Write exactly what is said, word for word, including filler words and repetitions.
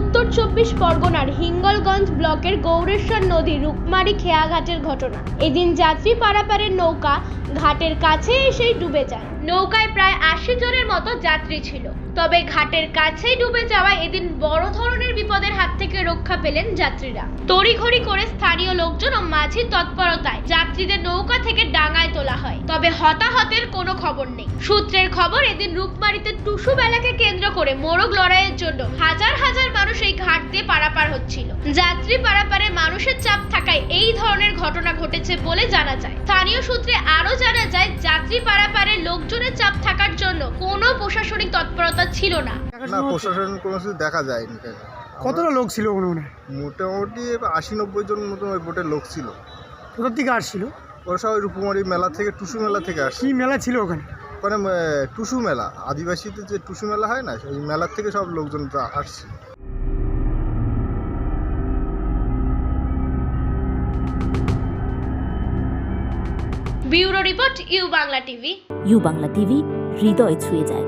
উত্তর চব্বিশ পরগনার হিঙ্গলগঞ্জ ব্লকের গৌরেশ্বর নদী রূপমারি খেয়াঘাটের ঘটনা। এদিন যাত্রী পারাপারের নৌকা ঘাটের কাছে এসেই ডুবে যায়। নৌকায় প্রায় আশি জনের মতো যাত্রী ছিল। তবে ঘাটের কাছেই ডুবে যাওয়ায় এদিন বড় ধরনের বিপদের হাত থেকে রক্ষা পেলেন যাত্রীরা। তড়িঘড়ি করে স্থানীয় লোকজন ও মাঝির তৎপরতায় যাত্রীদের নৌকা থেকে ডাঙায় তোলা হয়। তবে হতাহতের কোনো খবর নেই। সূত্রের খবর, এদিন রূপমারিতে টুসু মেলাকে কেন্দ্র করে মোরগ লড়াইয়ের জন্য হাজার হাজার মানুষ এই ঘাট দিয়ে পারাপার হচ্ছিল। যাত্রী পারাপারে মানুষের চাপ থাকায় এই ধরনের ঘটনা ঘটেছে বলে জানা যায়। স্থানীয় সূত্রে আরো জানা যায়, যাত্রী পারাপারে লোকজনের চাপ থাকার জন্য কোনো প্রশাসনিক তৎপরতা ছিল না। না, প্রশাসন কোনো কিছু দেখা যায়নি। কতটা লোক ছিল মনে মোটামুটি আশি নব্বই জন মতন ওই বোটের লোক ছিল। কোথা থেকে আসছিল? ওরা সবাই রূপমারি মেলা থেকে, টুসু মেলা থেকে আসছে। কি মেলা ছিল ওখানে? ওখানে আহ, টুসু মেলা, আদিবাসীদের যে টুসু মেলা হয় না, ওই মেলার থেকে সব লোকজন আসছে। Bureau report, U Bangla TV. U Bangla TV হৃদয় ছুঁয়ে যায়।